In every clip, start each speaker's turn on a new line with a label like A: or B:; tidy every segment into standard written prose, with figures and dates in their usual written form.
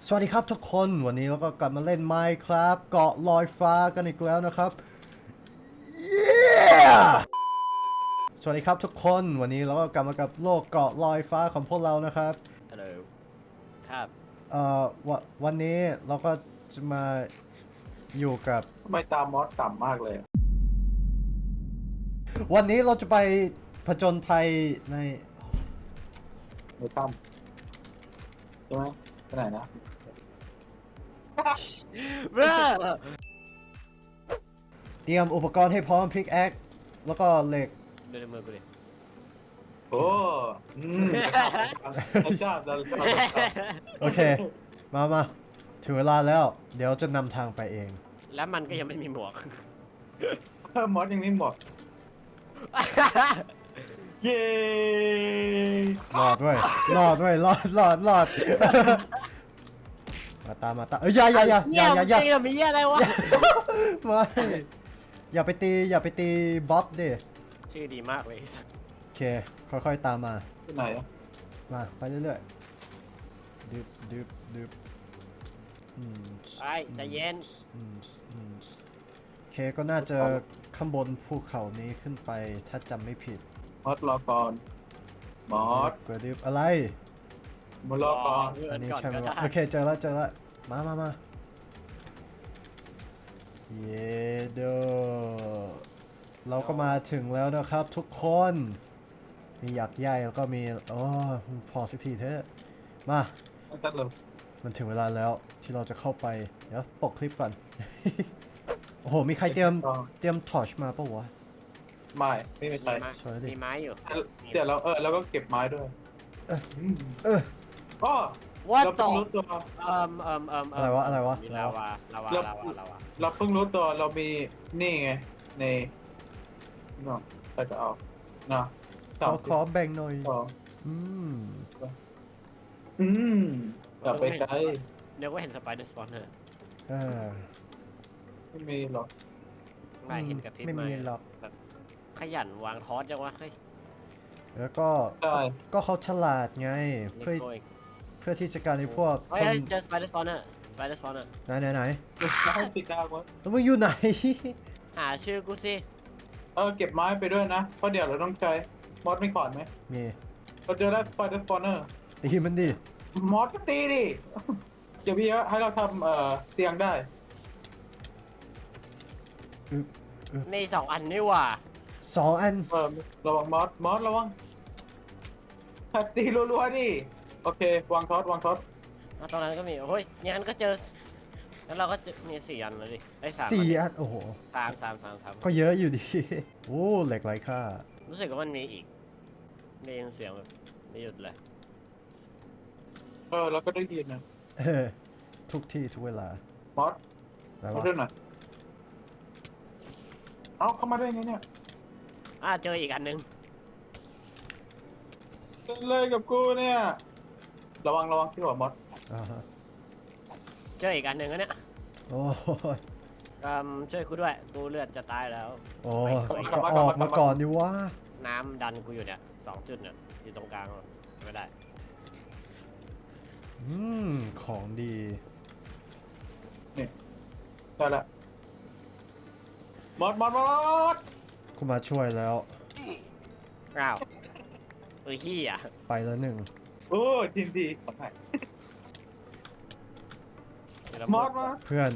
A: สวัสดีครับทุกคนวันนี้เราก็กลับมาเล่น Minecraft เกาะลอยฟ้ากันอีกแล้วนะครับ Yeah! สวัสดีครับทุกคนวันนี้เราก็กลับมากับโลกเกาะลอยฟ้าของพวกเรานะครับ
B: ฮัลโหลครับ
A: วันนี้เราก็จะมาอยู่กับ
C: ทำไมตามมอสต่ำมากเลย
A: วันนี้เราจะไปผจญภัยใน
C: ในถ้ำใช่ไหมไปไหนนะ
B: เบ้อ
A: เตรียมอุปกรณ์ให้พร้อมพิกแอคแล้วก็เหล็ก
B: ดูในมือกูดิ
C: โอ้เราชอบเราชอบ
A: โอเค มาถึงเวลาแล้ว เดี๋ยวจะนำทางไปเอง
B: แล้วมันก็ยังไม่มีหมวก
C: มอสยังนี่บอกเย้
A: รอดด้วยรอด มาตามเอ้ยอย่า
B: เนี่ยมันจะมีอะไรวะ
A: ไม่อย่าไปตีบ๊อบดิ
B: ชื่อดีมากเลย
A: โอเคค่อยๆตามมา
C: ที่ไหนอะ
A: มาไปเรื่อยๆดึบอืม
B: ไปใจเย็น
A: โอเคก็น่าจะข้างบนภูเขานี้ขึ้นไปถ้าจำไม่ผิด
C: มอสรอก่อนมอส
A: กระดึบอะไร
C: มารอก่อน
A: อันนี้
B: ก่อน
A: ใช่ไหม
B: ก็
A: วะ
B: ได้
A: โอเคเจอแล้วมาเยโดเราก็มาถึงแล้วนะครับทุกคนมีหยักใหญ่แล้วก็มีโอ้พอสักทีเถอะมา
C: ตัดเลย
A: มันถึงเวลาแล้วที่เราจะเข้าไปเดี๋ยวปกคลิปก่อน โอ้โหมีใครเตรียมทอร์ชมาปะวะ
C: ไม่ใช่
A: สวยดิ
B: มีไม้อยู่
C: เดี๋ยวเราก็เก็บไม้ด้วย
A: เออ
C: ก็
B: ว่า
C: เรา
B: ต่
C: เพิ่
B: อง
C: รู้ตัว
A: อะไรวะ
B: มีลาวา
C: เราเพิ่งรู้ตัวเรามีนี่ไงในเนาะใครจะเอาเนาะ
A: ขอแบ่งหน่อย
C: สอง
A: อืม
C: อืมอย่าไปไกล
B: เดี๋ยวก็เห็นสไปเดอร์สปอนเนอร์
A: เออ
C: ไม่มีหรอก
B: ไม่เห็นกับพริบ
A: ไม่มีหรอก
B: แบบขยันวางทอสจังวะเฮ้ย
A: แล้วก็
C: ใช่
A: ก็เขาฉลาดไง
B: นี่
A: เพื่อ
B: โกย
A: เพื่อที่จะการในพวก
B: เฮ้
A: ค
B: ย
A: น
B: เจอสไปเดอร์สปอนเนอร์
A: ไหน
C: ให้ติดดาวไว้
A: แล้วมึงอยู่ไหน
B: หาชื่อกูสิ
C: เก็บไม้ไปด้วยนะ เพราะเดี๋ยวเราต้องใช้มอสไม่ก่อนไหม
A: มี
C: เราเจอแล้วสไปเดอร์สปอนเนอร์
A: ตีมันดิ
C: มอสก็ตีดิ เดี๋ยวพี่ให้เราทำเตียงได้
B: ใน2 อันนี่หว่า
A: 2 อัน
C: ระวังมอสระวังตีรัวๆดิโอเควางท็อต
B: ตรงนั้นก็มีโอ้ยงั้นก็เจอแล้วเราก็จะมี4 อันเลยดิได้3
A: 4 อัน โอ้โห
B: สาม
A: ก็เยอะอยู่ดี โอ้เหล็กไรค่า
B: รู้สึกว่ามันมีอีกได้ยินเสียงแบบไม่หยุดเลย
C: เราก็ได้ยินนะ
A: ทุกที่ทุกเวลาม
C: อส
A: แล้ว
C: มาด้วยหน่อยเอาเข้ามาได้ไงเนี่ย
B: เจออีกอันนึง
C: เป็นเลยกับกูเนี่ย ระวังที่หัวมอส
A: อ่าฮะ
B: เจออีกอันนึงแล้วเนี่ย
A: โอ้ย
B: ช่วยกูด้วยกูเลือดจะตายแล้ว
A: โอ้ยก็ออกมาก่อนดิวะ
B: น้ำดันกูอยู่เนี่ย2 จุดเนี่ยอยู่ตรงกลางไม่ได้
A: อืม ของดี
C: ได้ละมอส
A: กูมาช่วยแล้ว
B: อ้าวเฮ้ยขี้อ่ะ
A: ไปแล้วหนึ่ง
C: โอ้ทีมดีขอถ่ายมอสมา
A: เพื่อน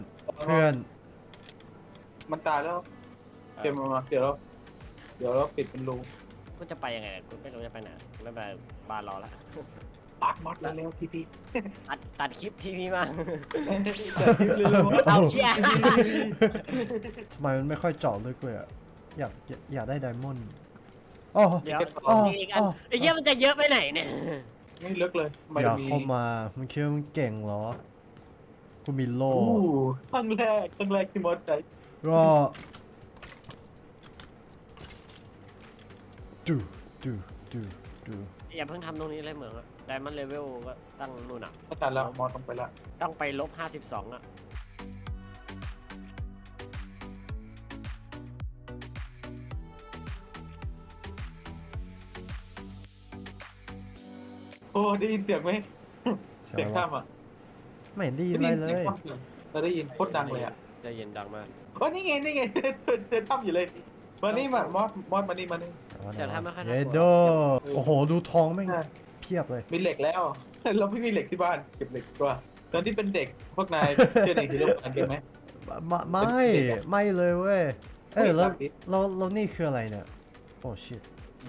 C: มันตายแล้วเก็บมาเดี๋ยวเราปิดเป็นรู
B: กูจะไปยังไงกูไม่รู้จะไปไหนไม่เป็นไรบ้านรอละ
C: ปัดมอสเร็วทีพี
B: ตัดคลิปทีวีมา
C: เร็ว
B: เอาเชี่ย
A: ทำไมมันไม่ค่อยเจาะเลยกูอะอยากได้ไดมอนด์อ๋อ
B: เดี๋ยว
A: อ๋อ
B: มีอีกอันไอ้เหี้ยมันจะเยอะไปไหนเนี่ย
C: ไม่ลึกเลยไม่
A: อยาก
C: มี
A: เข้ามามันคิดว่ามันเก่งเหรอ กูมีโล่
C: ครั้งแรกที่มอสใช้
A: ก็ดูดู
B: อย่าเพิ่งทำตรงนี้เลยเหมืองอะไดมอนด์เลเวลก็ตั้งนู่นอ่ะ
C: ไม่ตัดแล้วมอสต้องไปละ
B: ต้องไป-52อ่ะ
C: โอ้ได้ยินเสียงไหม
A: ใช่
C: เสียง
A: ไหม
C: ข้ามอ่ะ
A: ไม่เห็นได้ยินอะไรเลย
C: เราได้ยินโคตรดังเลยอ่ะ
B: ได้ยินดังมาก
C: ว่านี่ไงเดินทำอยู่เลยมานี่มามอสมานี่
B: แต่ถ้าไม่ค่อยน่ากลัว
A: เยโดโอ้โหดูทองแม่งเพียบเลย
C: มีเหล็กแล้ว เราไม่มีเหล็กที่บ้านเก็บเหล็กตัวตอนที่เป็นเด็กพวกนายเชื่อในฮีโร่กันไหม
A: ไม่เลยเว้ยแล้วเรานี่คืออะไรเนี่ยโอ้ชิต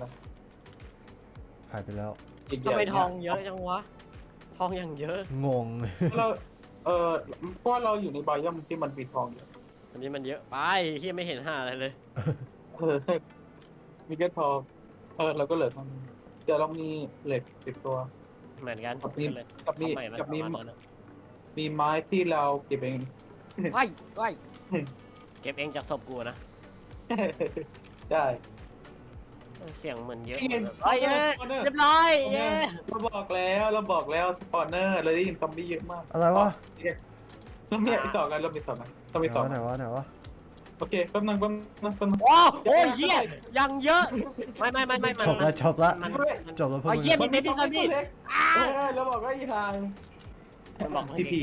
A: หายไปแล้ว
B: ทำไมทองเยอะจังวะ ทองอย่างเยอะ
A: งง
C: เราเพราะเราอยู่ในไบยอมที่มันมีทองอยู่
B: อันนี้มันเยอะไปที่ไม่เห็นห้าอะไรเลย
C: มีแค่ทองเราก็เหลือทองเดี๋ยวเรามีเหล็กติดตัว
B: เหมือนกัน
C: กับมี
B: เลย
C: กับมี
B: ทำใหม่มา
C: กับ
B: สอง
C: มี
B: อันแล้วนะ
C: มีไม้ที่เราเก็บเอง
B: ว้ายว้ายเก็บเองจากศพกูนะ
C: ได้
B: เสียงเหมือนเยอะ
C: นี่ไง
B: เฮ้ย
C: Spawner
B: เรียบร้อยเย้
C: เราบอกแล้วสปอนเนอร์เราได้ยินซอมบี้เยอะมาก
A: อะไรวะ
C: เรามีต่อกันเรามีต่อกันเรามีต่อ
A: ไหน
C: กัน
A: วะไหนวะ
C: โอเคแป๊บนึง
B: โอ้โอ้ยเหี้ยยังเยอะ ไม่
A: จบละจบละ
B: มัน
A: จบแล้วพวก
B: ไอ้
A: มึง
B: เหี้ยมีเบบี้ซอมบี้
C: เราบอกว่าอีทาง
B: บอก
C: ทีพี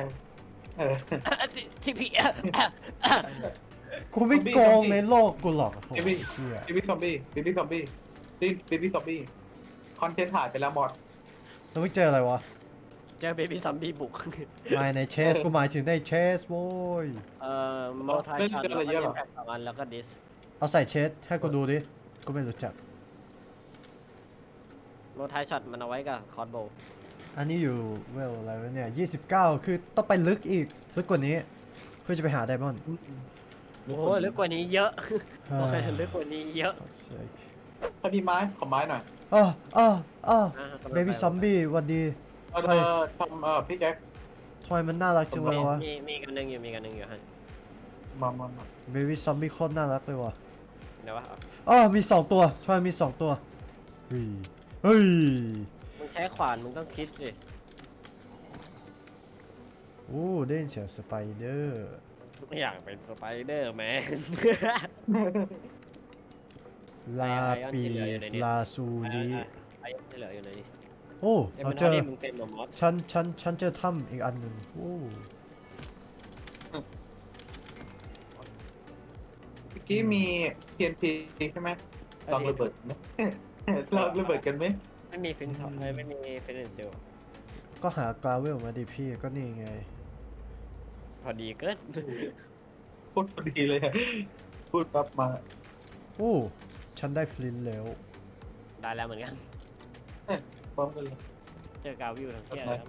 B: ทีพี
A: กูไม่โกงในโลกกูหรอกโอ้โห
C: เบบี้
A: เหี้ย
C: เบบี้ซอมบี้คอนเทนต์หายไปแล้วหมด
A: แล้วมึงเจออะไรวะ
B: เจอเบบี้ซอมบี้บุก
A: ไม่ในเชสกูหมายถึงในเชสโว้ย
B: โมไทช็อตแล้วก็เอ็มแพ็ค2 อันแล้วก็ดิส
A: เอาใส่เชสให้กูดูดิกูไม่รู้จัก
B: โมไทช็อตมันเอาไว้กับคอร์ดโบว์
A: อันนี้อยู่เวลอะไรวะเนี่ย29คือต้องไปลึกอีกลึกกว่านี้ เพื่อจะไปหาไดมอนด์
B: โอ้ยลึกกว่านี้เยอะโอเคลึกกว่านี้เยอะ
C: ถ้ามีไม้ขอไม้หน่อย
A: เบบี้ซอมบี้วันดี
C: เราจะทำพี่แจ็ค
A: ทำไมมันน่ารักจังเลยวะ
B: มีกันหนึ่งอยู่ฮะ
C: มา
A: เบบี้ซอมบี้โคตรน่ารักเลยวะ
B: เดี๋ยววะ
A: มี2ตัวทำไมมี2ตัวเฮ้ย
B: มึงใช้ขวานมึงต้องคิดสิ
A: โอ้ได้ยินเสียงสไปเดอร์
B: ไม่อยากเป็นสไปเดอร์แมน
A: ลาปีลาซูดี
B: ไอ้ที่เหลืออยู่ไหน
A: โอ้
B: เอ็ม
A: เรา
B: มัน
A: เจอ
B: ที่มึงเป็นหมอมอส
A: ฉันเจอถ้ำอีกอันหนึ่งโอ้
C: เมื่อกี้มี TNT ใช่ไหมลองระเบิดไหมลองระเบิดกันไหม
B: ไม่มีฟินท็อปไม่มีฟินเซล
A: ก็หากราเวลมาดิพี่ก็นี่ไง
B: พอดีเกิน
C: พูดพอดีเลยพูดปั๊บมา
A: โอ้ฉันได้ฟลินต์แล้ว
B: ได้แล้วเหมือนกัน
C: พร้อมกันเลย
B: เจอกาวิวทั้งเที่ยแล้วมา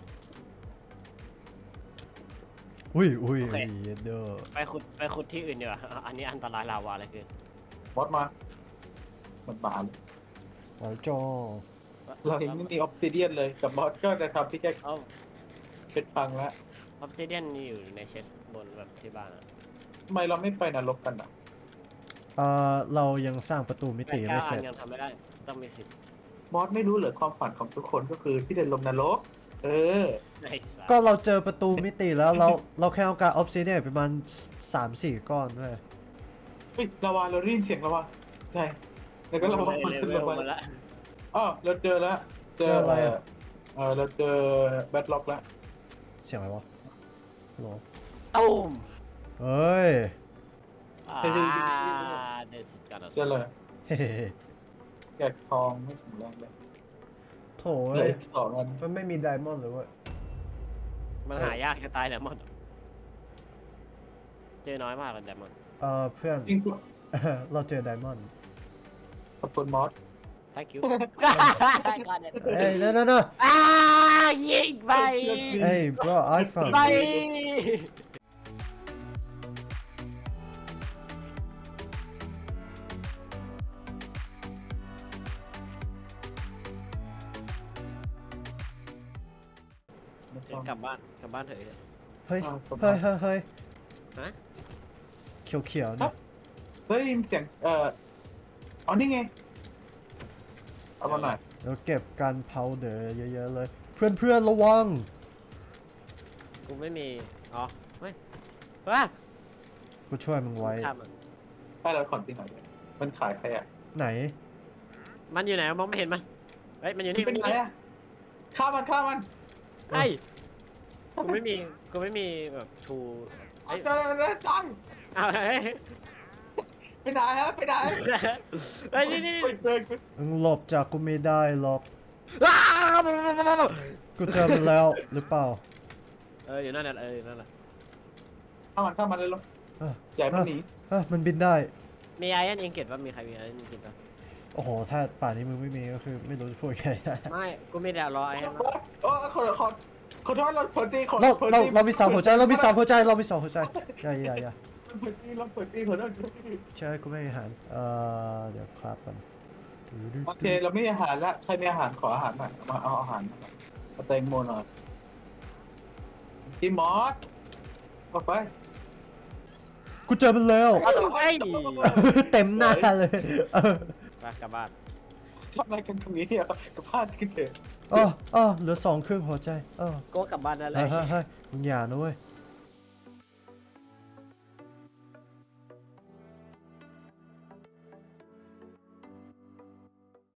A: อุ้ย
B: โอเค
A: เด้อ
B: ไปขุดที่อื่นดีกว่าอันนี้อันตรายลาวาอะไรคือ
C: มอสมามันบาน
A: หวานจอ
C: เรายังไม่มีออฟซิเดียนเลยกับบอสก็จะทำพี่แจ็ค
B: เอา
C: เป็นพังแล้ว
B: ออฟซิเดียนอยู่ในเชสบนแบบที่บ้านอะ
C: ทำไมเราไม่ไปนรกกันอ่ะ
A: เรายังสร้างประตูมิติไม่เสร็จ
B: ยังทำไม่ได้ต้องมีสิทธิ์
C: มอสไม่รู้เหรอความฝันของทุกคนก็คือที่จะลงนรก
B: ในสาย
A: ก็เราเจอประตูมิติแล้วเราแค่เอาการออฟซิเดียนประมาณ 3-4 ก้อนด้วย
C: เฮ้ยลาวาเราได้ยินเสียงลาวาใช่แล้วก็ลาวามันขึ้นลาวา
B: มาแล้ว
C: อ๋อเราเจอแล้ว
A: เจออะไรอะ
C: เราเจอแบทล็อกแล้ว
A: เสียงอะไรวะฮัลโหล
B: ตูม
A: เฮ้ย
B: this is gonna
C: เจอเลย
A: เฮ้
C: แกะทองไม่ถึงแรงเลย
A: โถ
C: เหลื
A: เอ้
C: อย อีกสองอัน
A: มันไม่มีไดมอนด์เลยเว้ย
B: มันหายากจะตายแหละมอนเจอน้อยมากเลยแดมอน
A: เพื่อน
C: จริง
A: เราเจอไดมอนด์
C: ขอบคุณมอส
B: thank you
A: เอ้ยno
B: ยิงไป
A: เอ้ย bro I found
B: ไป
A: you
B: กลับบ้านเถอะ
A: เฮ้ย
B: ฮะ
A: เขียวๆเนี่ย
C: ได้ยินเสียงอ๋อนี่ไงเอามาหน่อย
A: เราเก็บกันเผาเดอเยอะๆเลย เพื่อนๆระวัง
B: กูไม่มีอ๋อไม่ว้า
A: กูช่วยมึงไว้
B: ข้ามมัน
C: ให้เราขอนตีหน่อยมันขายใครอ่ะ
A: ไหน
B: มันอยู่ไหนมองไม่เห็นมันเฮ้ยมันอยู่
C: นี่
B: นี่
C: เป็นไงอ่ะฆ่ามัน
B: ไอ้กูไม่มีแบบชูเอ้ย
C: ได้ตังค์
B: เอาเฮ้ย
C: ไปไหนฮะไปไหน
B: เฮ้ยนี่
C: ไปเจอกู
A: มึงหลบจากกูไม่ได้หรอก
B: อ้าว
A: กูเจอมันแล้วหรือเปล่า
B: อยู่นั่นแหละอยู่นั่นแหละ
C: เข้ามันเลยลูก
A: เออ
C: ใหญ่มันหนี
A: มันบินได้
B: มีไอรอนอิงเกตป่ะมีใครมีไอรอนอิงเกตป่ะ
A: โอ้โห ถ้าป่านนี้มึงไม่มีก็คือไม่รู้จะพูดไง
B: ไม่กูไม่ได้รอไอรอน
C: โอ้ขอโทษเราเปิดตีขอ
A: เรามีสามหัวใจ เรามีสามหัวใจ เรามีสองหัวใจอย่า
C: เปิดตีเราเปิดตีขอโทษ
A: ใช่กูไม่มีอาหาร เดี๋ยวครับกัน
C: โอเคเราไม่มีอาหารละใครมีอาหารขออาหารหน่อยมาเอาอาหารเอาแตงโมหน่อยกินมอสออกไป
A: กูเจอมันแล้ว
B: ไอ้ย
A: เต็มหน้าเลย
B: ไปกลับบ้าน
C: ทำอะไรกันตรงนี้เนี่ยกับพลาดกันเถอะ
A: เหลือ2 ครึ่งหัวใจ
B: ก็กลับบ้านนั่นแหละ
A: เฮ้ยมึงอย่านะเว้ย